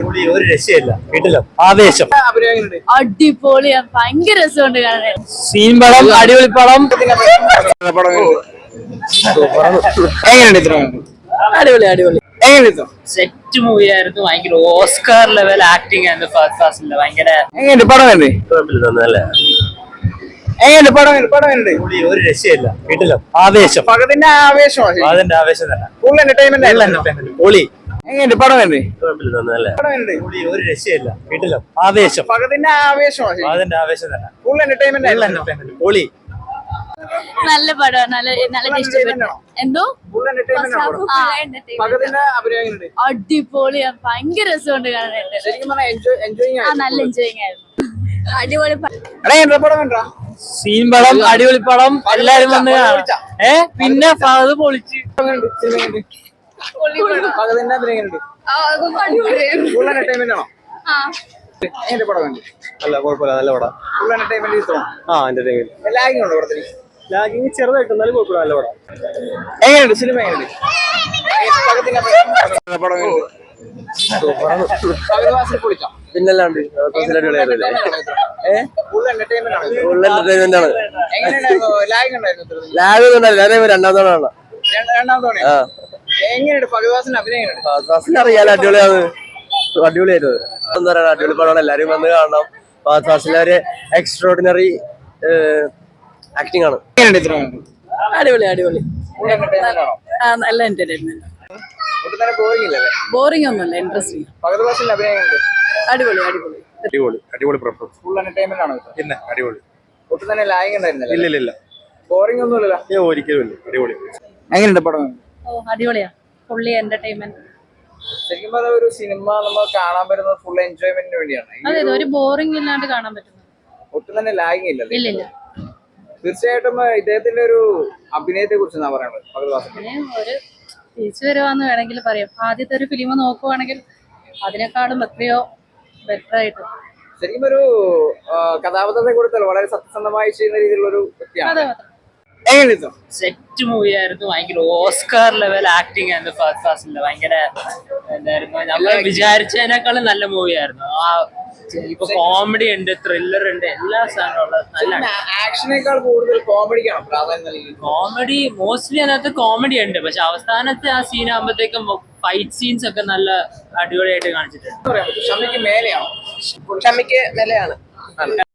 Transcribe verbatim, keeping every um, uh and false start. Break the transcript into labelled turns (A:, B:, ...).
A: ഒരു രക്ഷയില്ല വീട്ടിലോ ആവേശം
B: അടിപൊളിയാ ഭയങ്കര രസമുണ്ട് കാണാൻ.
A: സീൻ പടം അടിപൊളി പടം
B: അടിപൊളി അടിപൊളി
C: സെറ്റ് മൂവി ആയിരുന്നു. ഭയങ്കര ഓസ്കാർ ലെവൽ ആക്ടിങ് ആയിരുന്നു ഫസ്റ്റ് ക്ലാസ്സിൽ. ഭയങ്കര
A: ഒരു രക്ഷയില്ല വീട്ടിലോ ആവേശം
D: പകതിന്റെ ആവേശമാണ്
A: അതിന്റെ ആവേശം തന്നെ
D: ഫുൾ എന്റർടൈൻമെന്റ്
A: പൊളി
D: എങ്ങനെയുണ്ട് പടം എങ്ങനെ
A: ഒരു രക്ഷയില്ല വീട്ടിലോ ആവേശം
D: പകതിന്റെ ആവേശമാണ്
A: അതിന്റെ ആവേശം തന്നെ
D: ഫുൾ എന്റർടൈൻമെന്റ്
A: പൊളി
B: നല്ല പടമാണ്. നല്ല നല്ല ഇഷ്ടപ്പെട്ടു. എന്തോ
D: ഫുൾ എന്റർടൈൻമെന്റ് പകതിന്റെ അഭിനയം എങ്ങനെയുണ്ട്
B: അടിപൊളിയാ ഭയങ്കര രസമുണ്ട് കാണാനായിട്ട്.
D: ശരിക്കും പറഞ്ഞാൽ എൻജോയ് എൻജോയിങ്
B: ആ നല്ല എൻജോയിങ് ആയിരുന്നു. അടിപൊളി
D: എടാ എന്താ പടം കണ്ടാ
A: സീൻ പടം അടിപൊളി പടം എല്ലാരും വന്ന് ഏ പിന്നെ അത് പൊളിച്ച്
D: പകതിന്റെ അഭിനയം എങ്ങനെയുണ്ട് ഫുൾ എന്റർടൈൻമെന്റ് ആണോ എന്റെ പടം കണ്ടു
A: അല്ല കുഴപ്പമില്ല നല്ല പടം
D: ഫുൾ എന്റർടൈൻമെന്റ് ഇഷ്ടമാണ്
A: ആ എന്റർടൈൻമെന്റ്
D: ലാഗിങ് ഉണ്ടോ പടത്തിന്
A: ലാഗിങ് ചെറുതായിട്ട് എന്നാലും കുഴപ്പമില്ല നല്ല പടം
D: എങ്ങനെയുണ്ട് സിനിമ എങ്ങനെയുണ്ട് പകതിന്റെ പടം എങ്ങനെയുണ്ട് പകർവാസിൽ പൊളിച്ചോ
A: പിന്നല്ലാണ്ട്
D: ഫുൾ എന്റർടൈൻമെന്റ് ആണ്
A: എന്റർടൈൻമെന്റ് ആണ്
D: എങ്ങനെയുണ്ടായിരുന്നു ലാഗ് ഉണ്ടായിരുന്നു
A: ലാഗ് ഒന്നും രണ്ടാം തവണ
D: രണ്ടാമത്തെ തവണ എങ്ങനെയുണ്ട് ഫഗവാസിന്റെ അഭിനയം എങ്ങനെയുണ്ട്
A: അറിയാലോ അടിപൊളിയാണ് അടിപൊളിയായിരുന്നു എന്താ പറയാ അടിപൊളി പടമാണ് എല്ലാരും വന്ന് കാണണം ഫാസിലെ ഒരു എക്സ്ട്രോർഡിനറി ആക്ടിംഗ് ആണ്
B: അടിപൊളി അടിപൊളി
D: ഫുൾ എന്റർടൈൻമെന്റ് ആണോ
B: ആ നല്ല എന്റർടൈൻമെന്റ്.
D: ഒട്ടും തന്നെ ബോറിംഗ് ഇല്ലല്ലേ
B: ബോറിംഗ് ഒന്നുമല്ല, ഇൻട്രസ്റ്റിംഗ്.
D: ഫഗവാസിന്റെ അഭിനയം എങ്ങനെയുണ്ട്
B: അടിപൊളി അടിപൊളി
A: അടിപൊളി അടിപൊളി പെർഫോമൻസ്
D: ഫുൾ എന്റർടൈൻമെന്റ് ആണോ
A: പിന്നെ അടിപൊളി
D: ഒട്ടും തന്നെ ലാഗ് ഉണ്ടായിരുന്നില്ല
A: ഇല്ല ഇല്ല
D: ബോറിംഗ് ഒന്നുമില്ല
A: ഏ ഒരിക്കലും ഇല്ല അടിപൊളി
D: എങ്ങനെയുണ്ട് പടം
B: ഓ അടിപൊളിയാ ഫുള്ളി എന്റർടൈൻമെന്റ്.
D: ശരിക്കും പറഞ്ഞാൽ ഒരു സിനിമ നമ്മൾ കാണാൻ വരുന്നത് ഫുൾ എൻജോയ്മെന്റിന് വേണ്ടിയാണ്
B: അതെ ഒരു ബോറിംഗ് ഇല്ലാണ്ട് കാണാൻ പറ്റുന്നു.
D: ഒട്ടും തന്നെ ലാഗിങ് ഇല്ലല്ലേ
B: ഇല്ല ഇല്ല
D: തീർച്ചയായിട്ടും ഇദ്ദേഹത്തിന്റെ ഒരു അഭിനയത്തെ കുറിച്ച് എന്നാ പറയുന്നത് ഫഗവാസിന്റെ
B: പിന്നെ ഒരു തിരിച്ചു വരുവാന്ന് വേണമെങ്കിൽ പറയാം. ആദ്യത്തെ ഒരു ഫിലിം നോക്കുവാണെങ്കിൽ അതിനേക്കാളും എത്രയോ ബെറ്റർ ആയിട്ട്
D: ശരിക്കും ഒരു കഥാപാത്രത്തെ കൊടുത്തല്ലോ വളരെ സത്യസന്ധമായി ചെയ്യുന്ന രീതിയിലുള്ള ഒരു വ്യക്തിയാണ്. എങ്ങനെയാ
C: സെറ്റ് മൂവി ആയിരുന്നു. ഭയങ്കര ഓസ്കാർ ലെവൽ ആക്ടിങ് ആയിരുന്നു ഫസ്റ്റ് ക്ലാസ്സിൽ. ഭയങ്കര എന്തായിരുന്നു, നമ്മൾ വിചാരിച്ചതിനേക്കാളും നല്ല മൂവി ആയിരുന്നു. ആ ഇപ്പൊ കോമഡി ഉണ്ട്, ത്രില്ലർ ഉണ്ട്, എല്ലാ സാധനവും ഉള്ളത് നല്ല.
D: ആക്ഷനേക്കാൾ കൂടുതൽ കോമഡിക്കാണ് പ്രാധാന്യം നൽകിയത്.
C: കോമഡി മോസ്റ്റ്ലി അതിനകത്ത് കോമഡി ഉണ്ട്, പക്ഷെ അവസാനത്തെ ആ സീൻ ആകുമ്പോഴത്തേക്കും ഫൈറ്റ് സീൻസ് ഒക്കെ നല്ല അടിപൊളിയായിട്ട് കാണിച്ചിട്ടുണ്ട്.
D: ഷമിക്ക് മേലെയാണോ?
E: ഷമിക്ക് മേലെയാണ്.